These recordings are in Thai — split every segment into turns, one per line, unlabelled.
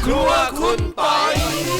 รัวคุณปอย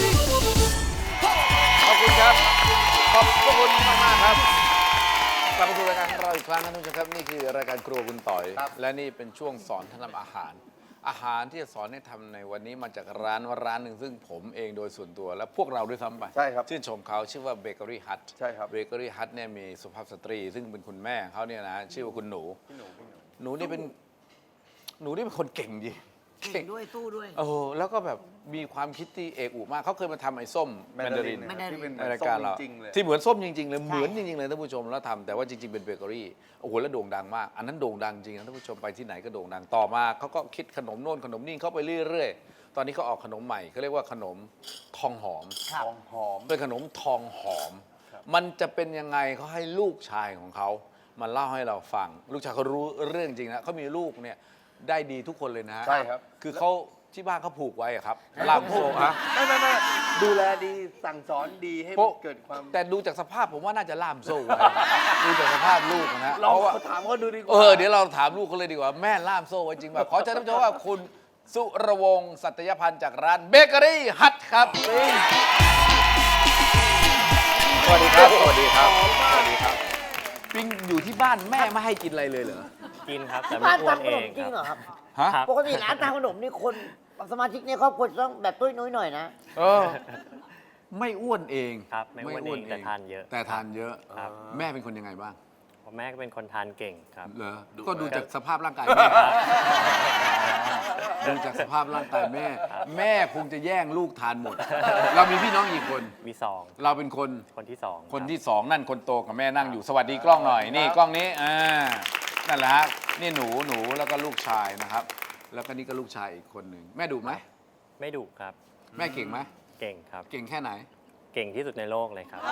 ขอบคุณครับขอบคุณมากๆครับกลับมาสู่รายการของเราอีกครั้งนะทุกท่านครับนี่คือรายการครัวคุณต่อยและนี่เป็นช่วงสอนท่านทำอาหารที่จะสอนให้ทำในวันนี้มาจากร้านหนึ่งซึ่งผมเองโดยส่วนตัวและพวกเราด้วยซ้ำไป
ใช่ครับ
ชื่นชมเขาชื่อว่าเบเกอรี่ฮัท
ใช่ครับ
เบเกอรี่ฮัทเนี่ยมีสุภาพสตรีซึ่งเป็นคุณแม่เขาเนี่ยนะชื่อว่าคุณหนูหนูนี่เป็นคนเก่งจริง
เก่งด้วยสู้ด้วย
แล้วก็แบบมีความคิดที่เอกอุมากเขาเคยมาทำไอ้ส้มแมนดาริน
ที่เป็น
ในรายการเรา
จริงๆเลย
ที่เหมือนส้มจริงๆเลยเหมือนจริงๆเลยท่านผู้ชมแล้วทำแต่ว่าจริงๆเป็นเบเกอรี่โอ้โหแล้วโด่งดังมากอันนั้นโด่งดังจริงนะท่านผู้ชมไปที่ไหนก็โด่งดังต่อมาเขาก็คิดขนมโน่นขนมนี่เข้าไปเรื่อยๆตอนนี้เขาออกขนมใหม่เขาเรียกว่าขนมทองหอมเป็นขนมทองหอมมันจะเป็นยังไงเขาให้ลูกชายของเขามาเล่าให้เราฟังลูกชายเขารู้เรื่องจริงนะเขามีลูกเนี่ยได้ดีทุกคนเลยนะ
ใช่ครับ
คือเขาที่บ้านเขาผูกไว้ครับล่ามโซ่ฮะ
ไม่ดูแลดีสั่งสอนดีให้เกิดความ
แต่ดูจากสภาพผมว่าน่าจะล่ามโซ่ไว้ดูจากสภาพลูกนะ
เราถามเขาดูดีกว่า
เดี๋ยวเราถามลูกเขาเลยดีกว่าแม่ล่ามโซ่ไว้จริงป่ะขอเชิญท่านผู้ชมว่าคุณสุรวงศ์สัตยพันธ์จากร้านเบเกอรี่ฮัทครับสวัสดีครับสวัสดีครับสวัสดีครับปิงอยู่ที่บ้านแม่ไม่ให้กินอะไรเลยเหรอ
กินครับแต่
ที่บ้าน
ไม่อ้วน
ทำข
เอน
ม
ง
จริงเหรอ
ครับ
ครับ
ฮะ
ปกติร้านทำขนมนี่คนสมาชิกในครอบครัวต้องแบบตุ้ยนุ้ยหน่อยนะ
ไม่อ้วนเอง
ครับไม่อ้วนเองแต่ทานเยอะ
แต่ทานเยอะ
ครับ
แม่เป็นคนยังไงบ้าง
เพราะแม่ก็เป็นคนทานเก่งครับ
เหรอก็ดูจากสภาพร่างกายแม่ดูจากสภาพร่างกายแม่คงจะแย่งลูกทานหมดเรามีพี่น้องกี่คน
มีสอง
เราเป็นคน
ที่สอง
คนที่สองนั่นคนโตกับแม่นั่งอยู่สวัสดีกล้องหน่อยนี่กล้องนี้นั่นแหละฮะนี่หนูแล้วก็ลูกชายนะครับ แล้วก็นี่ก็ลูกชายอีกคนหนึ่งแม่ดุไหม
ไม่ดุครับ
แม่เก่งไหม
เก่งครับ
เก่งแค่ไหน
เก่งที่สุดในโลกเลยครับ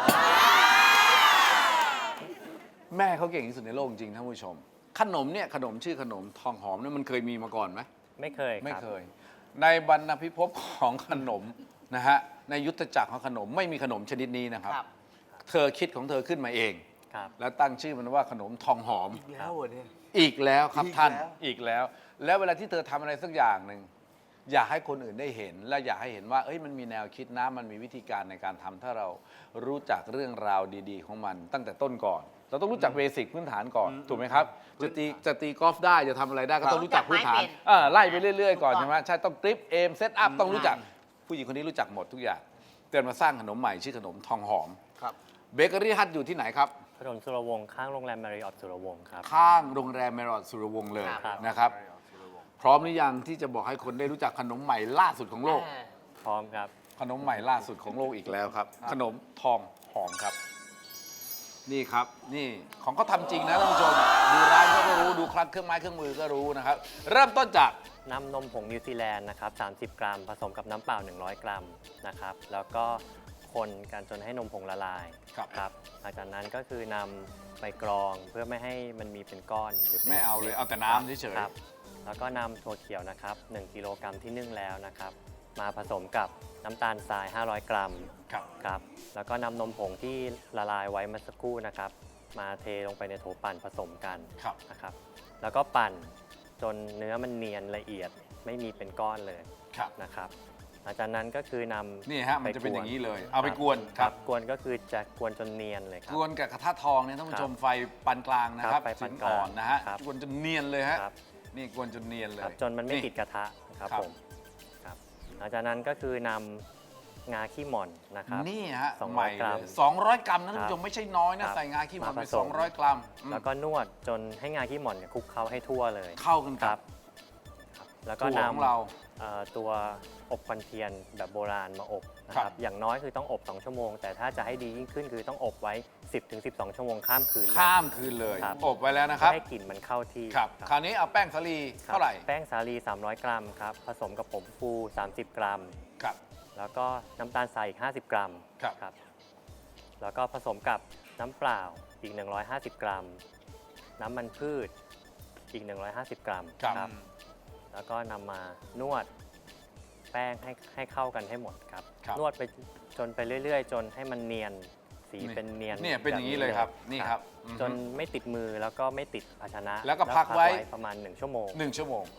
แม่เขาเก่งที่สุดในโลกจริงท่านผู้ชมขนมเนี่ยขนมชื่อขนมทองหอมเนี่ยมันเคยมีมาก่อนไหม
ไม่เคย
ไม่เคยในบรรณพิภพของขนมนะฮะในยุทธจักรของขนมไม่มีขนมชนิดนี้นะครับเธอคิดของเธอขึ้นมาเองแล้วตั้งชื่อมันว่าขนมทองหอม
อีกแล้วเนี่ย
อีกแล้วครับท่านอีกแล้วแล้วเวลาที่เธอทำอะไรสักอย่างหนึ่งอยากให้คนอื่นได้เห็นและอยากให้เห็นว่ามันมีแนวคิดนะมันมีวิธีการในการทำถ้าเรารู้จักเรื่องราวดีๆของมันตั้งแต่ต้นก่อนเราต้องรู้จักเบสิกพื้นฐานก่อนถูกไหมครับจะตีกอล์ฟได้จะทำอะไรได้ก็ต้องรู้จักพื้นฐานไล่ไปเรื่อยๆก่อนใช่ไหมใช่ต้องกริปเอมเซตอัพต้องรู้จักผู้หญิงคนนี้รู้จักหมดทุกอย่างเตือนมาสร้างขนมใหม่ชื่อขนมทองหอมเบเกอรี่ฮัทอยู่ที่ไหนครับ
ถนนสุรวงศ์ข้างโรงแรมมาริออทสุรวงศ์ครับ
ข้างโรงแรมแมริออทสุรวงศ์เลยนะครับพร้อมหรือยังที่จะบอกให้คนได้รู้จักขนมใหม่ล่าสุดของโลก
พร้อมครับ
ขนมใหม่ล่าสุดของโลกอีกแล้วครับขนมทองหอมครับนี่ครับนี่ของเขาทำจริงนะท่านผู้ชมดูร้านเขาก็รู้ดูคลังเครื่องไม้เครื่องมือก็รู้นะครับเริ่มต้นจาก
นำนมผงนิวซีแลนด์นะครับ30 กรัมผสมกับน้ำเปล่า100 กรัมนะครับแล้วก็คนกันจนให้นมผงละลายครับหลังจากนั้นก็คือนำไปกรองเพื่อไม่ให้มันมีเป็นก้อนหรือ
ไม่เอาเลยเอาแต่น้ำเฉย
ๆแล้วก็นำถั่วเขียวนะครับ1 กิโลกรัมที่นึ่งแล้วนะครับมาผสมกับน้ำตาลทราย500 กรัมครับแล้วก็นำนมผงที่ละลายไว้เมื่อสักครู่นะครับมาเทลงไปในโถปั่นผสมกันนะครับแล้วก็ปั่นจนเนื้อมันเนียนละเอียดไม่มีเป็นก้อนเลยนะครับหลังจากนั้นก็คือนำ
นี่ฮะมันจะเป็นอย่างนี้เลยเอาไปกวนครับ
กวนก็คือจะกวนจนเนียนเลยครับ
กวนกับกระทะทองเนี่ยท่านผู้ชมไฟปานกลางนะครับ
ไฟปานกลาง
อ่อนนะฮะกวนจนเนียนเลยฮะนี่กวนจนเนียนเลย
จนมันไม่ติดกระทะครับผมหลังจากนั้นก็คือนำงาขี้หม่อนนะครับ
นี่ฮะ
200 กรัม
200 กรัมนะท่านผู้ชมไม่ใช่น้อยนะใส่งาขี้หม่อนไป200 กรัม
แล้วก็นวดจนให้งาขี้หม่อนคลุกเคล้าให้ทั่วเลย
เข้ากันครับ
แล้วก็นำตัวอบควันเทียนแบบโบราณมาอบนะครับอย่างน้อยคือต้องอบ2 ชั่วโมงแต่ถ้าจะให้ดียิ่งขึ้นคือต้องอบไว้ 10-12 ชั่วโมงข้ามคืน
เลยอบไว้แล้วนะครับ
ให้กลิ่นมันเข้าที่
คราวนี้เอาแป้งสาลีเท่าไหร่
แป้งสาลี300 กรัมครับผสมกับผงฟู30 กรัมแล้วก็น้ำตาลทรายอีก50 กรัมครับแล้วก็ผสมกับน้ำเปล่าอีก150 กรัมน้ำมันพืชอีก150 กรัมครับแล้วก็นำมานวดแป้งให้เข้ากันให้หมดครับนวดไปจนไปเรื่อยๆจนให้มันเนียนสีเป็นเนียน
เนี่ยเป็นอย่างนี้เลยครับนี่ครับ
จนไม่ติดมือแล้วก็ไม่ติดภาชนะ
แล้วก็พักไว้
ประมาณ1 ชั่วโมง
1 ชั่วโมง
ครับ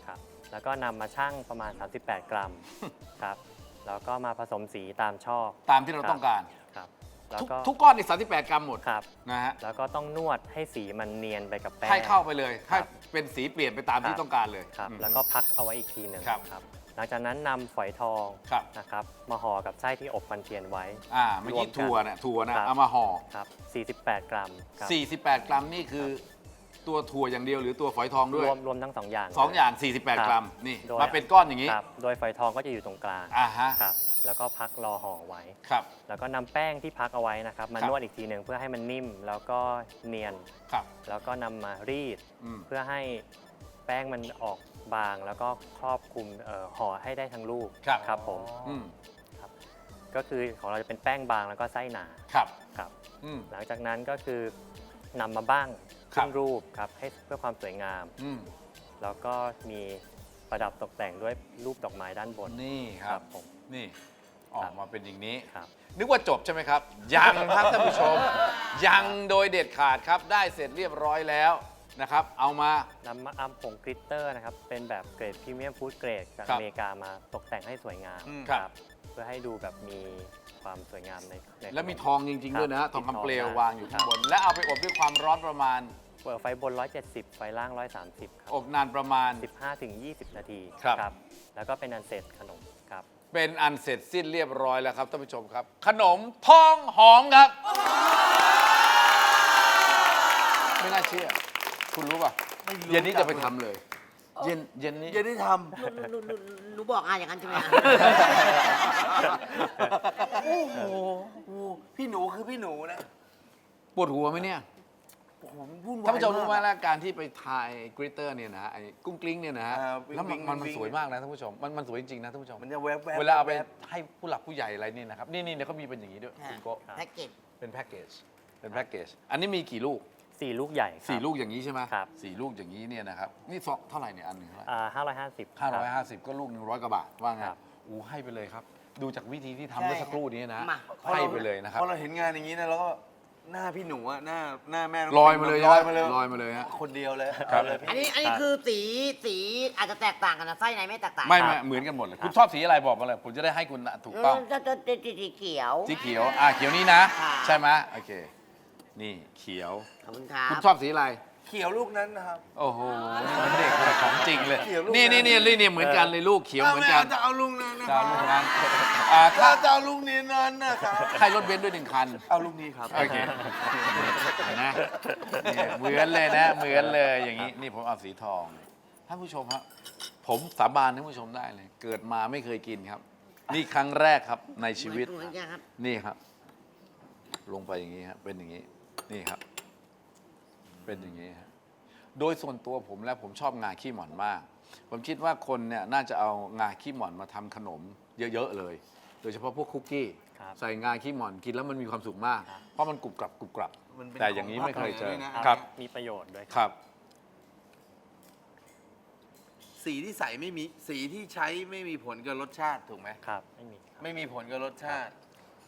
แล้วก็นำมาชั่งประมาณ 38 กรัมครับแล้วก็มาผสมสีตามชอบ
ตามที่เราต้องการ
ครับแล้ว
ทุก
ก็
ทุกก้อนนี่38 กรัมหมด
ครับ
นะฮะ
แล้วก็ต้องนวดให้สีมันเนียนไปกับแป้ง
ให้เข้าไปเลย
ครั
ให้
บ
เป็นสีเปลี่ยนไปตามที่ต้องการเลย
ครับ
อืม
แล้วก็พักเอาไว้อีกทีหนึ่ง
ครับ
หลังจากนั้นนำฝอยทอง
ครับ
นะครับมาห่อกับไส้ที่อบมันเทียนไว้
เมื่อ
รว
กี้
มกัน
ถั่วนะครับ เอามาห่อ
ครับ 48 กรัมครับ
48 กรัมนี่คือตัวถั่วอย่างเดียวหรือตัวฝอยทองด้วย
รวมทั้งสองอย่าง
2 อย่าง 48 กรัม นี่
โดย
มาเป็นก้อนอย่างนี้
ครับโดยฝอยทองก็จะอยู่ตรงกลาง
ฮะ
ครับแล้วก็พักรอห่อไว้
ครับ
แล้วก็นำแป้งที่พักเอาไว้นะครับมา
ครับ
นวดอีกทีหนึ่งเพื่อให้มันนิ่มแล้วก็เนียน
ครับ
แล้วก็นำมารีด
อืม
เพื่อให้แป้งมันออกบาง แล้วก็ครอบคลุมห่อให้ได้ทั้งลูก
ครับ
ครับผม
อืม
ก็คือของเราจะเป็นแป้งบางแล้วก็ไส้หนา
ครับ
ครับ
อืม
หลังจากนั้นก็คือนำมาบ้าง
ครั
ขึ้
บ
นรูปครับให้เพื่อความสวยงาม
อืม
แล้วก็มีประดับตกแต่งด้วยรูปดอกไม้ด้านบน
นี่ครับ
ผม
นี่ ออกมาเป็นอย่างนี้
ครับ
นึกว่าจบใช่ไหมครับ ยังครับท่านผู้ชม ยังโดยเด็ดขาดครับ ได้เสร็จเรียบร้อยแล้วนะครับ เอามา
นำมาอัมผงกลิตเตอร์นะครับ เป็นแบบเกรดพรีเมียมฟู้ดเกรดจาก
ครับ
อเมริกามาตกแต่งให้สวยงาม
ครับ
เพื่อให้ดูแบบมีความสวยงามใน
แล้วมีทองจริง ๆ ด้วยนะฮะ
ค
ท
รับ
องคำเปลว
มีทอง
วางอยู่ข้างบน และเอาไปอบด้วยความร้อนประมาณ
เปิดไฟบน 170 ไฟล่าง 130 ครับ
อบนานประมาณ
15-20 นาที
ครับ
แล้วก็เป็นอันเสร็จขนมครับ
เป็นอันเสร็จสิ้นเรียบร้อยแล้วครับท่านผู้ชมครับ ขนมทองหอมครับ ไม่น่าเชื่อ คุณรู้ป่ะ
ไม่รู้
เย็นนี้จะไปทำเลย เย็นนี้
เย็นได้ท
หนูบอกอย่างนั้นใช่ไหมอะ
ำโอ้โหพี่หนูคือพี่หนูนะ
ปวดหัวไหมเนี่ย
โอ้โหวุ่นวาย
ท่านผู้ชมรู้ไหม
าก
แล้วการที่ไปทายกริตเตอร์เนี่ยนะไอ้กุ้งกลิ้งเนี่ยนะฮะ
วิ่ง
แล้ว
วิ่ง
มัน
วิ่ง
สวยมากนะท่านผู้ชมมันสวยจริงๆนะท่านผู้ชม
มันจะแวบๆ
เวลาเอาไป
แวบ
ให้ผู้หลักผู้ใหญ่อะไรนี่นะครับนี่เนี่ยเขามีเป็นอย่างนี้ด้วยคุณโกะ
แพ็กเกจ
เป็นแพ็กเกจเป็นแพ็กเกจอันนี้มีกี่ลูก
4 ลูกใหญ่ครับ
4 ลูกอย่างนี้ใช่ไหม
ครับ
สี่ลูกอย่างนี้เนี่ยนะครับนี่เท่าไหร่เนี่ยอันหนึ่งเท่าไหร่
550
550 ก็ลูก100 กว่าบาทว่าไง
ครับ
อู้ให้ไปเลยครับ ดูจากวิธีที่ทำเมื่อสักครู่นี้นะ
มา
ให้ไปเลยนะครับ
พอเราเห็นงานอย่างนี้นะแล้วก็หน้าพี่หนูอะหน้าแม่น้ง
ลอยมาเลย
ลอยมาเลย
ลอยมาเลยฮะ
คนเดียวเลย
ครับ
เอาเลย
อัน
พี่
นี้คือสีอาจจะแตกต่างกันนะไส้ในไม่แตกต่าง
ไม่เหมือนกันหมดเลย คุณชอบสีอะไรบอกมาเลย ผมจะได้ให้คุณถูกต้อง
จะสีเขียว
สีเขียวเขียวนี้นะ
ค่ะ
ใช่ไหมโอเค นี่เขียว
ขอบคุณครั
คุณ
บ
ชอบสีอะไร
เขียวลูกนั้นนะครับ
โอ้โหมันเด็กเลยของจริงเลย
เขียวลูก
นี่
นั้น
นี่เหมือนกันเลยลูกเขียวเหมือนกัน
จะเอาลูกนั้นนะค
จะ
รับ
เอาลูกนั้น
ถ้า
ถ้า
จะเอาลูกนี้นั้นนะครับ
ให้รถเบนซ์ด้วย1 คัน
เอาลูกนี้ครับ
โอเคเห็นนะเนี่ยเหมือนเลยนะ เหมือนเลยอย่างนี้ นี่ผมเอาสีทอง ท่านผู้ชมครับ ผมสาบานท่านผู้ชมได้เลย เกิดมาไม่เคยกินครับ นี่ครั้งแรกครับในชีวิต
เหมือนกันครับ
นี่ครับ ลงไปอย่างนี้ครับ เป็นอย่างนี้ นี่ครับ เป็นอย่างนี้ครับ โดยส่วนตัวผมแล้วผมชอบงาขี้หม่อนมาก ผมคิดว่าคนเนี่ยน่าจะเอางาขี้หม่อนมาทำขนมเยอะๆเลย โดยเฉพาะพวกคุกกี้
ครับ
ใส่งาขี้หม่อนกินแล้วมันมีความสุขมาก
ครับ
เพราะมันกรุบกรับกรุบกรับ
มันเป็น
แต่อย่างนี้ไม่เคยเจอ
ของภาคเหนือด้วยนะ
ครับ
มีประโยชน์ด้วย
ครับ
สีที่ใส่ไม่มีสีที่ใช้ไม่มีผลกับรสชาติถูกไหม
ครับ ไม่มีครับ
ไม่มีผลกับรสชาติ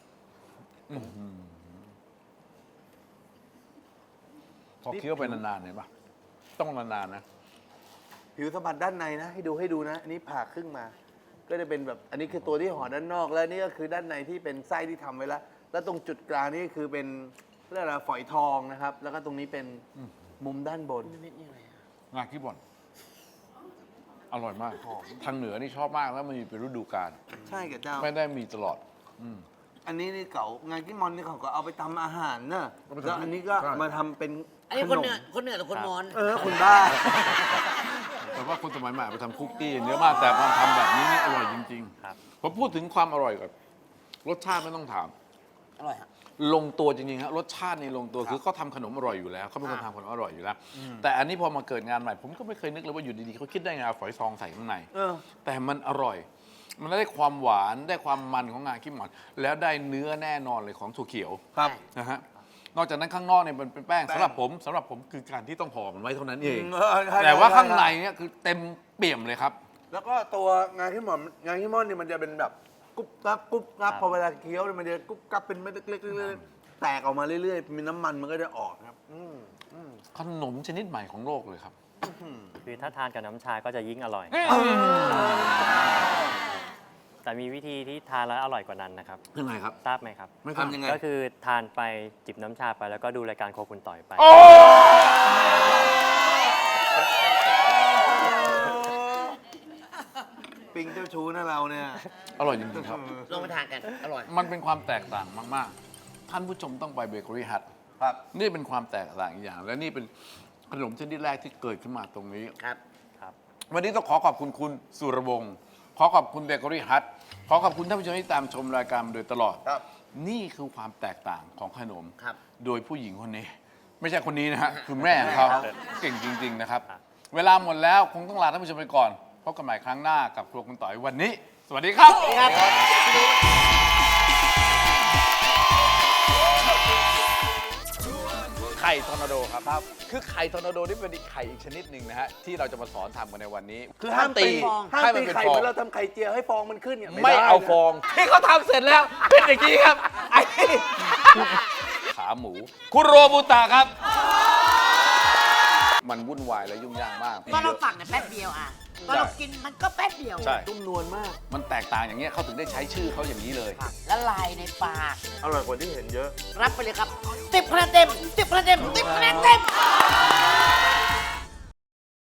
พอเคี้ยวไปนานๆเห็นปะต้องนานๆนะ
ผิวสัมผัสด้านในนะ ให้ดูนะ อันนี้ผ่าครึ่งมา ก็จะเป็นแบบอันนี้คือตัวที่ห่อด้านนอกแล้วนี่ก็คือด้านในที่เป็นไส้ที่ทำไว้แล้ว แล้วตรงจุดกลางนี่คือเป็นเรียกอะไรฝอยทองนะครับ แล้วก็ตรงนี้เป็นมุมด้านบน
งาขี้บ่อน อร่อยมาก ทางเหนือนี่ชอบมากแล้วมันมีเป็นฤดูกาล
ใช่กับเจ้า
ไม่ได้มีตลอด
อันนี้นี่เก่างานที่มอนนี่เขาก็เอาไปทำอาหารเนอะ
เอาไปทำ
แล้วอันนี้ก็
ใช่
มาทำเป็น
อันนี้
ข
คน
น
เหนื
ม
อคนเหนือหรือคนมอญ
คุณบ้า
แต่ว่าคนสมัยใหม่ไปทำคุกกี้เนื้อมากแต่พอทำแบบนี้นี่อร่อยจริง
ครับ
ๆผมพูดถึงความอร่อยก่อนรสชาติไม่ต้องถาม
อร่อยครับ
ลงตัวจริงๆครับรสชาตินี่ลงตัวคือเขาทำขนมอร่อยอยู่แล้วเขาเป็นคนทำขนมอร่อยอยู่แล้ว แต่อันนี้พอมาเกิดงานใหม่ ผมก็ไม่เคยนึกเลยว่าอยู่ดีๆเขาคิดได้ไงเอาฝอยทองใส่ข้างใน
เออ
แต่มันอร่อย มันได้ความหวานได้ความมันของงาขี้หม่อนแล้วได้เนื้อแน่นอนเลยของถั่วเขียว
ครับ
นะฮะนอกจากนั้นข้างนอกเนี่ยมันเป็นแป้ง
แป้ง
สำหรับผมคือการที่ต้องห่อมันไว้เท่านั้นเอง
ใช่
แต่ว่า
ใช่
ข้างใน
ใช่
เนี่ยคือเต็มเปี่ยมเลยครับ
แล้วก็ตัวงานที่หมอนงานที่มอนนี่มันจะเป็นแบบกรุบกรับกรุบกรับ
ครับ
พอเวลาเคี้ยวเนี่ยมันจะกรุบกรับเป็นเม็ดเล็กๆแตกออกมาเรื่อยๆมีน้ำมันมันก็จะออกครับ
ขนมชนิดใหม่ของโลกเลยครับ
คือถ้าทานกับน้ำชาก็จะยิ่งอร่อย แต่มีวิธีที่ทานแล้วอร่อยกว่านั้นนะครับ
ยังไงครับ
ทราบไหมครับ
ไม่ทราบ
ทำยังไง
ก็คือทานไปจิบน้ำชาไปแล้วก็ดูรายการโครัวคุณต่อยไป
โอ้
ปิงเจ้าชู้นะเราเนี่ย
อร่อยจริงๆครับ
ลองไปทานกัน อร่อย
มันเป็นความแตกต่างมากๆ ท่านผู้ชมต้องไปเบเกอรี่ฮัท
ครับ
นี่เป็นความแตกต่างอีกอย่าง และนี่เป็นขนมชนิดแรกที่เกิดขึ้นมาตรงนี้
ครับ
ครับ
วันนี้ต้องขอขอบคุณคุณสุรวงศ์ขอขอบคุณเบเกอรี่ฮัทขอขอบคุณท่านผู้ชมที่ตามชมรายการมาโดยตลอด
ครับ
นี่คือความแตกต่างของขนม
ครับ
โดยผู้หญิงคนนี้ ไม่ใช่คนนี้นะฮะ คือแม่ของเขา
ครับ
เก่งจริง ๆ นะครับ
ครับ
เวลาหมดแล้วคงต้องลาท่านผู้ชมไปก่อนพบกันใหม่ครั้งหน้ากับครัวคุณต่อยวันนี้ สวัสดีครับ ไข่ทอร์นาโดครับ คือไข่ทอร์นาโดนี่เป็นอีกไข่อีกชนิดหนึ่งนะฮะที่เราจะมาสอนทำกันในวันนี้
คือห้ามตี ห้าม
ให้มัน
ตี
เป็น
ไข่
ฟอ
เห
ง
มือนเราทำไข่เจียวให้ฟองมันขึ้นเนี่ย
ไม่
ด้
เอา
นะ
ฟองที่เขาทำเสร็จแล้ว เป็นอย่างนี้ครับไอ้ขาหมู คุโรบุตะครับ มันวุ่นวายและยุ่งยากมาก
ตอนเราฝักเนี่ยแป๊บเดียวอ่ะ ตอนเรากินมันก็แป๊บเดียว
ใช่
นุ่มนวลมาก
มันแตกต่างอย่างเงี้ยเขาถึงได้ใช้ชื่อเขาอย่างนี้เลย
ครับละลายในปาก
อร่อยกว่าที่เห็นเยอะ
รับไปเลยครับ10 คะแนนเต็ม10 คะแนนเต็ม10 คะแนนเต็ม